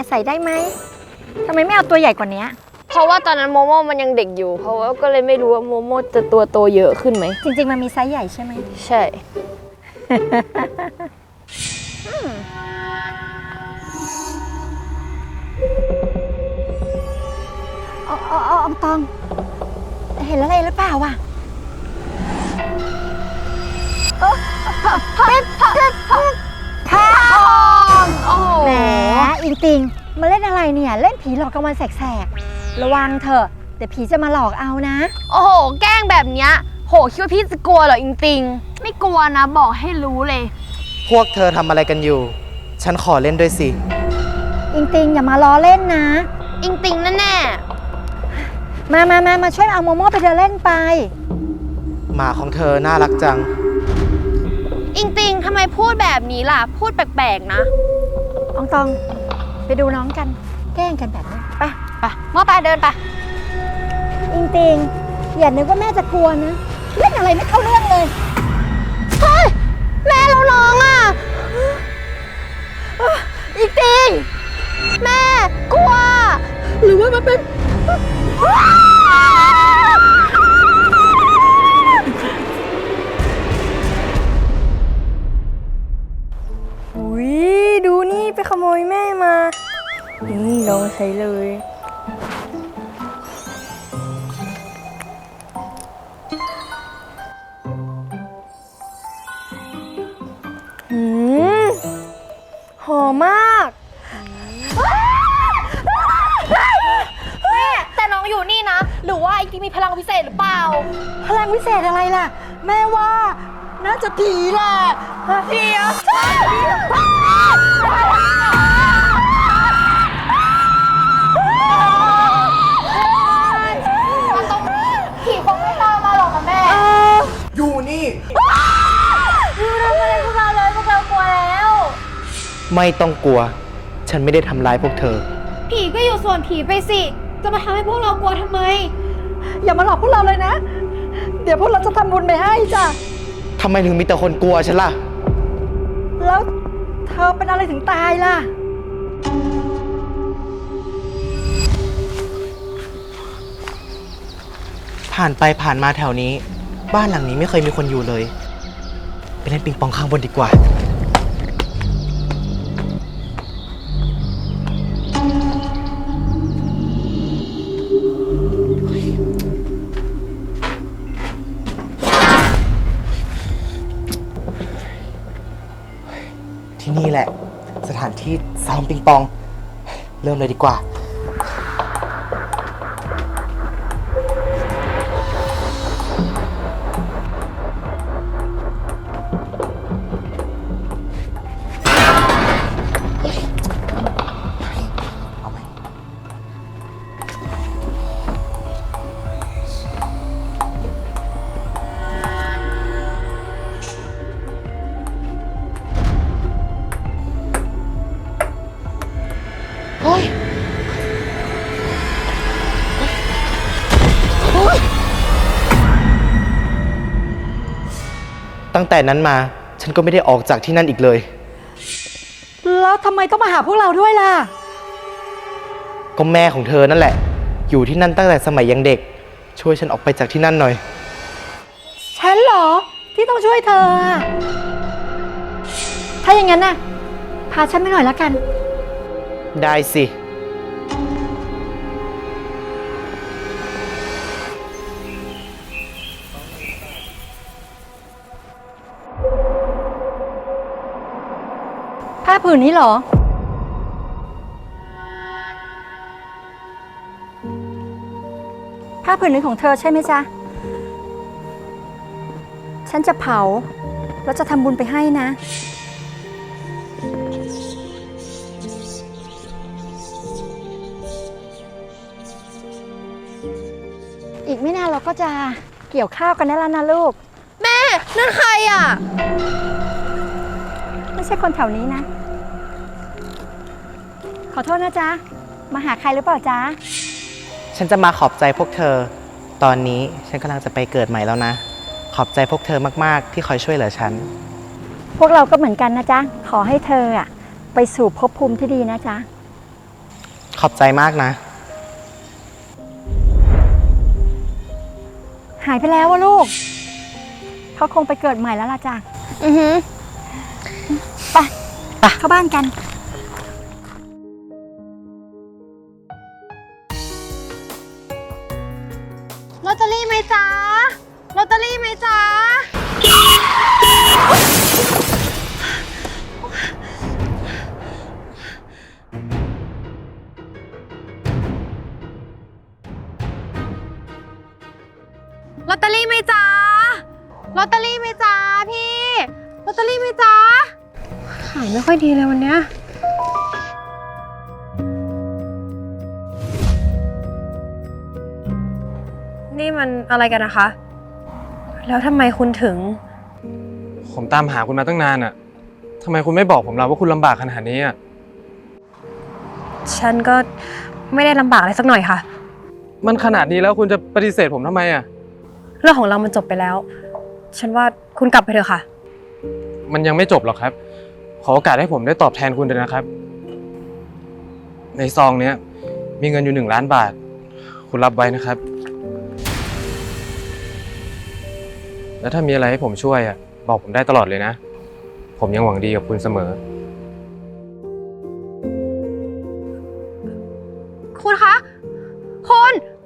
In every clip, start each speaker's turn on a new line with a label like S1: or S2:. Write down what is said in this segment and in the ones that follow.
S1: ใส่ได้ไหมทำไมไม่เอาตัวใหญ่กว่านี้
S2: เพราะว่าตอนนั้นโมโม่มันยังเด็กอยู่เพราะว่าก็เลยไม่รู้ว่าโมโม่จะตัวโตเยอะขึ้นไหม
S1: จริงๆมันมีไซส์ใหญ่ใช่ไหม
S2: ใช่
S1: เอาตองเห็นอะไรหรือเปล่าวะเป็นทองแหมอิงติงมาเล่นอะไรเนี่ยเล่นผีหลอกกลางวันแสกๆระวังเถอะเดี๋ยวผีจะมาหลอกเอานะ
S2: โอ้โหแกล้งแบบเนี้ยโหคิดว่าพี่จะกลัวเหรออิงติงไม่กลัวนะบอกให้รู้เลย
S3: พวกเธอทำอะไรกันอยู่ฉันขอเล่นด้วยสิ
S1: อิงติงอย่ามาล้อเล่นนะ
S2: อิงติงแน่
S1: มาช่วยเอาโมโม่ไปเดินเล่นไป
S3: หมาของเธอน่ารักจัง
S2: อิงติงทำไมพูดแบบนี้ล่ะพูดแปลกๆนะ
S1: อองตองไปดูน้องกันแกล้งกันแบบนี้
S2: ไปโม่ไปเดินไป
S1: อิงติงอย่านึกว่าแม่จะกลัวนะเล่นอะไรไม่เข้าเรื่องเลย
S2: เฮ้ยแม่เราน้องอ่ะอิงติงแม่กลัว
S1: หรือว่ามันเป็น
S2: อุ้ยดูนี่ไปขโมยแม่มานี่ลองใช้เลยหอมมากแม่แต่น้องอยู่นี่นะหรือว่าไอ้ที่มีพลังพิเศษหรือเปล่า
S1: พลังวิเศษอะไรล่ะแม่ว่าน่าจะผีแหละ
S2: ผีเหรอมันต้องผีคงไม่ตามมาหรอกนะแม่
S3: อยู่นี่
S2: อยู่ทำอะไรพวกเราเลยพวกเรากลัวแล้ว
S3: ไม่ต้องกลัวฉันไม่ได้ทำร้ายพวกเธอ
S2: ผีก็อยู่ส่วนผีไปสิจะมาทำให้พวกเรากลัวทำไม
S1: อย่ามาหลอกพวกเราเลยนะเดี๋ยวพวกเราจะทำบุญไปให้จ้ะ
S3: ทำไมถึงมีแต่คนกลัวฉันล่ะ
S1: แล้วเธอเป็นอะไรถึงตายล่ะ
S3: ผ่านไปผ่านมาแถวนี้บ้านหลังนี้ไม่เคยมีคนอยู่เลยไปเล่นปิงปองข้างบนดีกว่าที่นี่แหละสถานที่ซ้อมปิงปองเริ่มเลยดีกว่าตั้งแต่นั้นมาฉันก็ไม่ได้ออกจากที่นั่นอีกเลย
S1: แล้วทำไมต้องมาหาพวกเราด้วยล่ะ
S3: ก็แม่ของเธอนั่นแหละอยู่ที่นั่นตั้งแต่สมัยยังเด็กช่วยฉันออกไปจากที่นั่นหน่อย
S1: ฉันเหรอที่ต้องช่วยเธอถ้าอย่างนั้นน่ะพาฉันไปหน่อยละกัน
S3: ได้สิ
S1: ผ้าผืนนี้เหรอผ้าผืนนี้ของเธอใช่ไหมจ๊ะฉันจะเผาแล้วจะทำบุญไปให้นะอีกไม่นานเราก็จะเกี่ยวข้าวกันได้แล้วนะลูก
S2: แม่นั่นใครอ่ะ
S1: ไม่ใช่คนแถวนี้นะขอโทษนะจ๊ะมาหาใครหรือเปล่าจ๊ะ
S3: ฉันจะมาขอบใจพวกเธอตอนนี้ฉันกำลังจะไปเกิดใหม่แล้วนะขอบใจพวกเธอมากๆที่คอยช่วยเหลือฉัน
S1: พวกเราก็เหมือนกันนะจ๊ะขอให้เธอไปสู่ภพภูมิที่ดีนะจ๊ะ
S3: ขอบใจมากนะ
S1: หายไปแล้ววะลูก เขาคงไปเกิดใหม่แล้วล่ะจ้ะ
S2: อือหือ
S1: ไปเข้าบ้านกัน
S2: ลอตเตอรี่ไหมจ๊ะลอตเตอรี่ไหมจ๊ะลอตเตอรี่ไหมจ๊ะลอตเตอรี่ไหมจ๊ะพี่ลอตเตอรี่ไหมจ๊ะขายไม่ค่อยดีเลยวันเนี้ยนี่มันอะไรกันนะคะ แล้วทำไมคุณถึง
S4: ผมตามหาคุณมาตั้งนานอะทำไมคุณไม่บอกผมล่ะว่าคุณลำบากขนาดนี้อะ
S2: ฉันก็ไม่ได้ลำบากอะไรสักหน่อยค่ะ
S4: มันขนาดนี้แล้วคุณจะปฏิเสธผมทำไมอะ
S2: เรื่องของเรามันจบไปแล้ว ฉันว่าคุณกลับไปเถอะค่ะ
S4: มันยังไม่จบหรอกครับ ขอโอกาสให้ผมได้ตอบแทนคุณด้วยนะครับ ในซองเนี้ยมีเงินอยู่1 ล้านบาท คุณรับไว้นะครับ แล้วถ้ามีอะไรให้ผมช่วยอะบอกผมได้ตลอดเลยนะ ผมยังหวังดีกับคุณเสมอ
S2: คุณคะ คุณ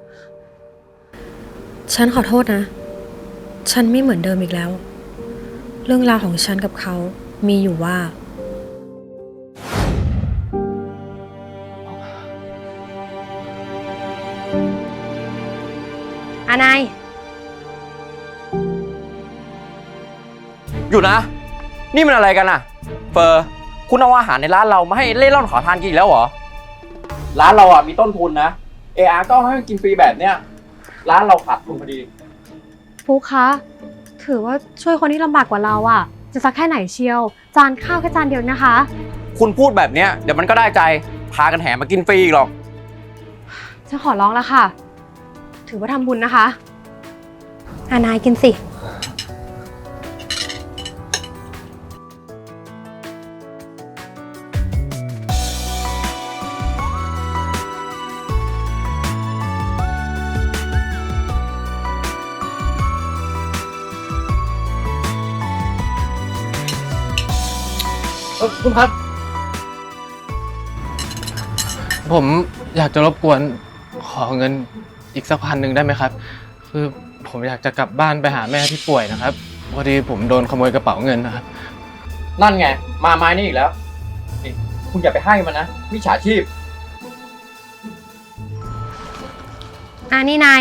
S2: ฉันขอโทษนะ ฉันไม่เหมือนเดิมอีกแล้ว เรื่องราวของฉันกับเขามีอยู่ว่าอานาย
S5: อยู่นะ นี่มันอะไรกันอะเฟอร์คุณเอาอาหารในร้านเรามาให้เล่ร่อนขอทานกินอีกแล้วเหรอ ร้านเราอะมีต้นทุนนะ AR ก็ให้มันกินฟรีแบบเนี้ย ร้านเราขาดทุนพอดี
S2: ฟุกคะ ถือว่าช่วยคนที่ลำบากกว่าเราอะจะสักแค่ไหนเชียว จานข้าวแค่จานเดียวนะคะ
S5: คุณพูดแบบเนี้ยเดี๋ยวมันก็ได้ใจ พากันแห่มากินฟรีอีกหรอก
S2: ฉันขอร้องแล้วค่ะ ถือว่าทำบุญนะคะอานายกินสิ
S4: คุณครับ ผมอยากจะรบกวนขอเงินอีกสัก1,000ได้ไหมครับ คือผมอยากจะกลับบ้านไปหาแม่ที่ป่วยนะครับพอดีผมโดนขโมยกระเป๋าเงินนะครับ
S5: นั่นไง มาไม้นี่อีกแล้วนี่คุณอย่าไปให้มันนะมิจฉาชีพ
S2: นี่นาย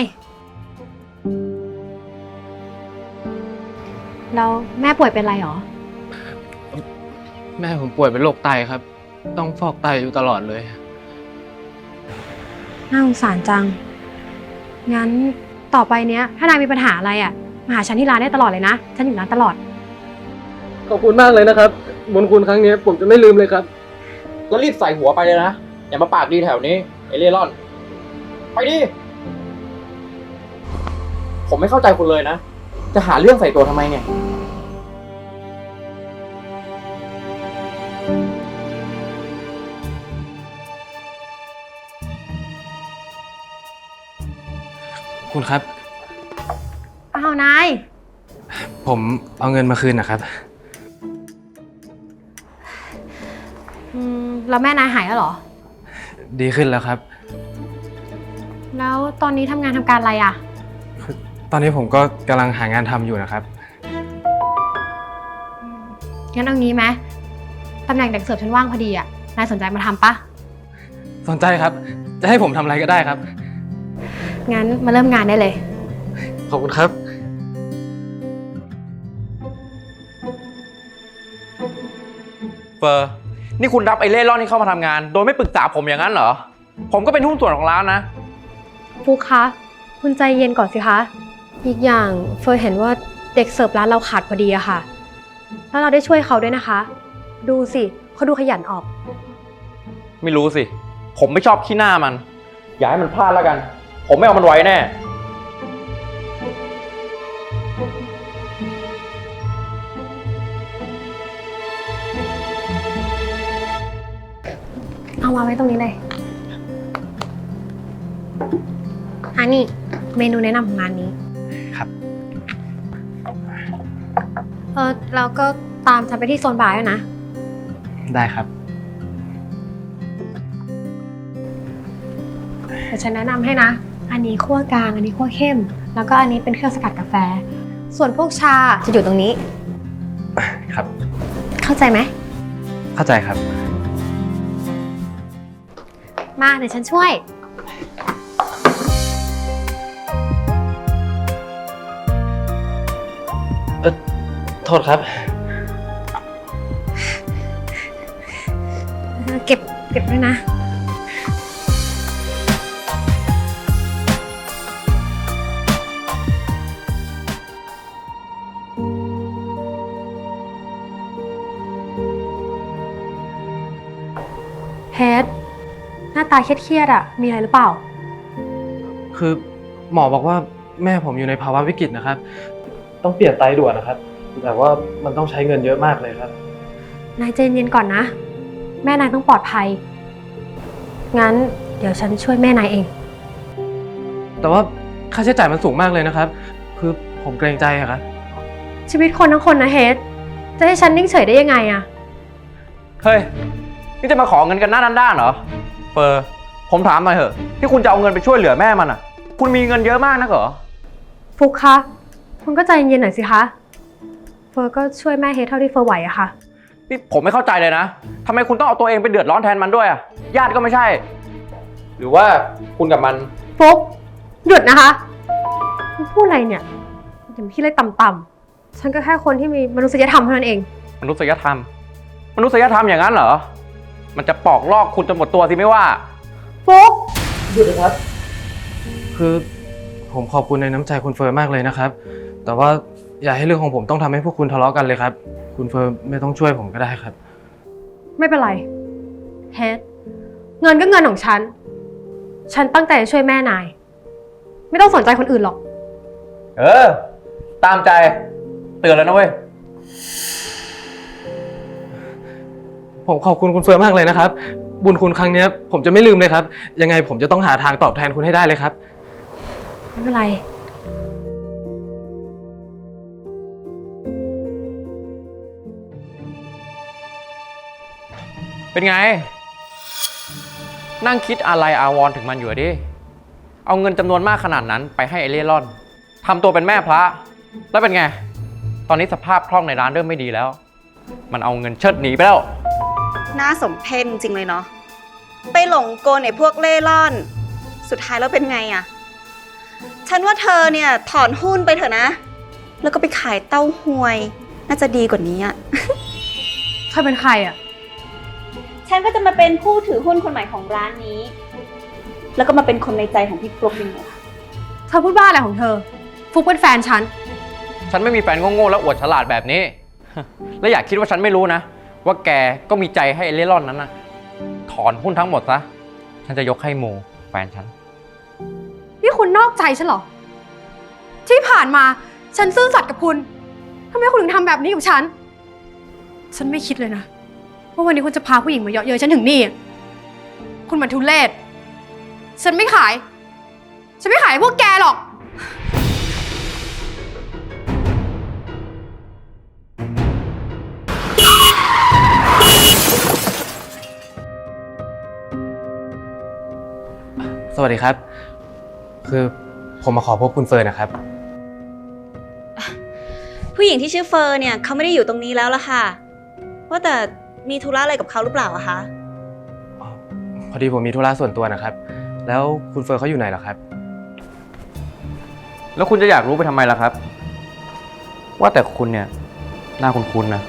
S2: แล้วแม่ป่วยเป็นอะไรหรอ
S4: แม่ผมป่วยเป็นโรคไตครับ ต้องฟอกไตอยู่ตลอดเลย
S2: น่าสงสารจัง งั้นต่อไปเนี้ย ถ้านายมีปัญหาอะไรอ่ะ มาหาฉันที่ร้านได้ตลอดเลยนะ ฉันอยู่ร้านตลอด
S4: ขอบคุณมากเลยนะครับบุญคุณครั้งนี้ผมจะไม่ลืมเลยครับ
S5: แล้วรีบใส่หัวไปเลยนะ อย่ามาปากดีแถวนี้ไอเล่ร่อน ไปดิ ผมไม่เข้าใจคุณเลยนะ จะหาเรื่องใส่ตัวทำไมเนี่ย
S4: คุณครับ
S2: อ้าวนาย
S4: ผมเอาเงินมาคืนนะครับ
S2: แล้วแม่นายหายแล้วเหรอ
S4: ดีขึ้นแล้วครับ
S2: แล้วตอนนี้ทำงานทำการอะไรอ่ะ
S4: ตอนนี้ผมก็กำลังหางานทำอยู่นะครับ
S2: งั้นเอางี้ไหมตำแหน่งเด็กเสิร์ฟฉันว่างพอดีอ่ะ นายสนใจมาทำปะ
S4: สนใจครับ จะให้ผมทำอะไรก็ได้ครับ
S2: งั้นมาเริ่มงานได้เลย
S4: ขอบคุณครับ
S5: เฟอร์นี่คุณรับไอเล่ร่อนที่เข้ามาทำงาน โดยไม่ปรึกษาผมอย่างนั้นเหรอ ผมก็เป็นหุ้นส่วนของร้านนะ
S2: ฟุกคะ คุณใจเย็นก่อนสิคะ อีกอย่างเฟยเห็นว่าเด็กเสิร์ฟร้านเราขาดพอดีอะค่ะ แล้วเราได้ช่วยเขาด้วยนะคะ ดูสิเขาดูขยันออก
S5: ไม่รู้สิ ผมไม่ชอบขี้หน้ามัน อย่าให้มันพลาดแล้วกัน ผมไม่เอามันไว้แน่
S2: เอามาไว้ตรงนี้เลยอันนี้เมนูแนะนำของร้านนี้
S3: ครับ
S2: แล้วก็ตามฉันไปที่โซนบาร์ด้วยนะ
S3: ได้ครับ
S2: เดี๋ยวฉันแนะนำให้นะ อันนี้คั่วกลาง อันนี้คั่วเข้ม แล้วก็อันนี้เป็นเครื่องสกัดกาแฟ ส่วนพวกชาจะอยู่ตรงนี้
S3: ครับ
S2: เข้าใจไหม
S3: เข้าใจครับ
S2: มาเดี๋ยวฉันช่วย
S4: โทษครับ
S2: เก็บด้วยนะ เฮดหน้าตาเครียดๆอ่ะ มีอะไรหรือเปล่า
S4: คือหมอบอกว่าแม่ผมอยู่ในภาวะวิกฤตนะครับ ต้องเปลี่ยนไตด่วนนะครับ แต่ว่ามันต้องใช้เงินเยอะมากเลยครับ
S2: นายใจเย็นก่อนนะ แม่นายต้องปลอดภัย งั้นเดี๋ยวฉันช่วยแม่นายเอง
S4: แต่ว่าค่าใช้จ่ายมันสูงมากเลยนะครับ คือผมเกรงใจอะครับ
S2: ชีวิตคนทั้งคนนะเฮดจะให้ฉันนิ่งเฉยได้ยังไงอะ
S5: เฮ้ย นี่จะมาขอเงินกันหน้าด้านๆเหรอ เฟอร์ ผมถามหน่อยเถอะ ที่คุณจะเอาเงินไปช่วยเหลือแม่มันอ่ะ คุณมีเงินเยอะมากนักเหรอ
S2: ฟุกคะ คุณก็ใจเย็นๆหน่อยสิคะ เฟอร์ก็ช่วยแม่เฮดเท่าที่เฟอร์ไหวอะค่ะ
S5: นี่ผมไม่เข้าใจเลยนะ ทำไมคุณต้องเอาตัวเองไปเดือดร้อนแทนมันด้วยอ่ะ ญาติก็ไม่ใช่ หรือว่าคุณกับมัน
S2: ฟุกหยุดนะคะคุณพูดอะไรเนี่ยอย่าพี่เล็กต่ำๆฉันก็แค่คนที่มีมนุษยธรรมเท่านั้นเอง
S5: มนุษยธรรม มนุษยธรรมอย่างนั้นเหรอ มันจะปอกลอกคุณจนหมดตัวสิไม่ว่า
S2: ฟุก
S4: หยุดนะครับ คือผมขอบคุณในน้ำใจคุณเฟิร์นมากเลยนะครับ แต่ว่าอย่าให้เรื่องของผมต้องทำให้พวกคุณทะเลาะกันเลยครับ คุณเฟิร์นไม่ต้องช่วยผมก็ได้ครับ
S2: ไม่เป็นไรเฮดเงินก็เงินของฉัน ฉันตั้งใจจะช่วยแม่นาย ไม่ต้องสนใจคนอื่นหรอก
S5: เออ ตามใจ เตือนแล้วนะเว้ย
S4: ผมขอบคุณคุณเฟิร์นมากเลยนะครับ บุญคุณครั้งนี้ผมจะไม่ลืมเลยครับ ยังไงผมจะต้องหาทางตอบแทนคุณให้ได้เลยครับ
S2: ไม่เป็นไร
S5: เป็นไง นั่งคิดอะไรอาวรณ์ถึงมันอยู่อะดิ เอาเงินจำนวนมากขนาดนั้นไปให้ไอเล่ร่อนทำตัวเป็นแม่พระ แล้วเป็นไง ตอนนี้สภาพคล่องในร้านเริ่มไม่ดีแล้ว มันเอาเงินเชิดหนีไปแล้ว
S6: น่าสมเพชจริงเลยเนาะ ไปหลงกลไอ้พวกเล่ร่อน สุดท้ายแล้วเป็นไงอะฉันว่าเธอเนี่ยถอนหุ้นไปเถอะนะ แล้วก็ไปขายเต้าหวย น่าจะดีกว่านี้อะ
S2: เธอเป็นใครอะ
S6: ฉันก็จะมาเป็นผู้ถือหุ้นคนใหม่ของร้านนี้ แล้วก็มาเป็นคนในใจของพี่ฟลุ๊กยังไงล่ะ
S2: เธอพูดบ้าอะไรของเธอ ฟุกเป็นแฟนฉัน
S5: ฉันไม่มีแฟนโง่ๆแล้วอวดฉลาดแบบนี้ และอย่าคิดว่าฉันไม่รู้นะ ว่าแกก็มีใจให้ไอเล่ร่อนนั้นนะถอนหุ้นทั้งหมดซะ ฉันจะยกให้โมแฟนฉัน
S2: นี่คุณนอกใจฉันเหรอ ที่ผ่านมาฉันซื่อสัตย์กับคุณทำไมคุณถึงทำแบบนี้กับฉัน ฉันไม่คิดเลยนะว่าวันนี้คุณจะพาผู้หญิงมาเยาะเย้ยฉันถึงนี่ คุณมันทุเรศ ฉันไม่ขาย ฉันไม่ขายให้พวกแกหรอก
S4: สวัสดีครับ คือผมมาขอพบคุณเฟิร์นนะครับ
S6: ผู้หญิงที่ชื่อเฟอร์เนี่ยเขาไม่ได้อยู่ตรงนี้แล้วล่ะค่ะ ว่าแต่มีธุระอะไรกับเขาหรือเปล่าอะคะ
S4: พอดีผมมีธุระส่วนตัวนะครับ แล้วคุณเฟิร์นเขาอยู่ไหนเหรอครับ
S5: แล้วคุณจะอยากรู้ไปทำไมล่ะครับ ว่าแต่คุณเนี่ยหน้าคุ้นๆนะ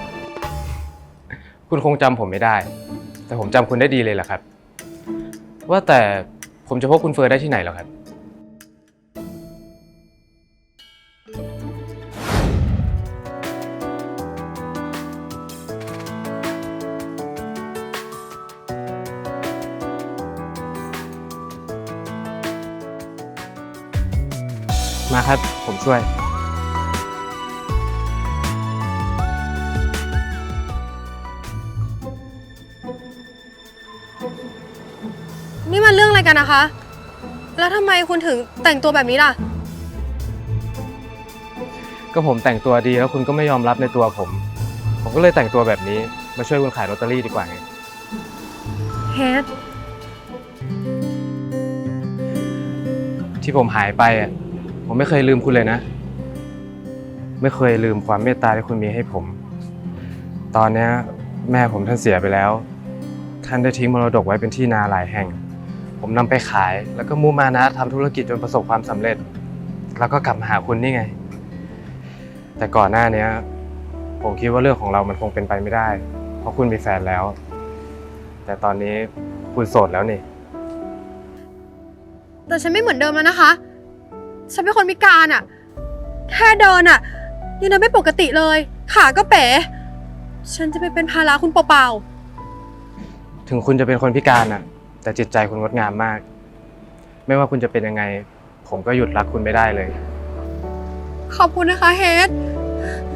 S4: คุณคงจำผมไม่ได้ แต่ผมจำคุณได้ดีเลยแหละครับ ว่าแต่ผมจะพบคุณเฟิร์นได้ที่ไหนเหรอครับ มาครับ ผมช่วย
S2: นี่มันเรื่องอะไรกันนะคะแล้วทำไมคุณถึงแต่งตัวแบบนี้ล่ะ
S4: ก็ผมแต่งตัวดีแล้วคุณก็ไม่ยอมรับในตัวผม ผมก็เลยแต่งตัวแบบนี้มาช่วยคุณขายลอตเตอรี่ดีกว่าไง
S2: เฮด
S4: ที่ผมหายไปอ่ะผมไม่เคยลืมคุณเลยนะ ไม่เคยลืมความเมตตาที่คุณมีให้ผม ตอนเนี้ยแม่ผมท่านเสียไปแล้ว ท่านได้ทิ้งมรดกไว้เป็นที่นาหลายแห่ง ผมนำไปขายแล้วก็มุ่งมานะทำธุรกิจจนประสบความสำเร็จ แล้วก็กลับมาหาคุณนี่ไง แต่ก่อนหน้านี้ผมคิดว่าเรื่องของเรามันคงเป็นไปไม่ได้ เพราะคุณมีแฟนแล้ว แต่ตอนนี้คุณโสดแล้วนี่
S2: แต่ฉันไม่เหมือนเดิมแล้วนะคะ ฉันเป็นคนพิการอะแค่เดินอะยังเดินไม่ปกติเลย ขาก็เป๋ ฉันจะไปเป็นภาระคุณเปล่า
S4: ถึงคุณจะเป็นคนพิการน่ะ แต่จิตใจคุณงดงามมาก ไม่ว่าคุณจะเป็นยังไง ผมก็หยุดรักคุณไม่ได้เลย
S2: ๆ ขอบคุณนะคะเฮด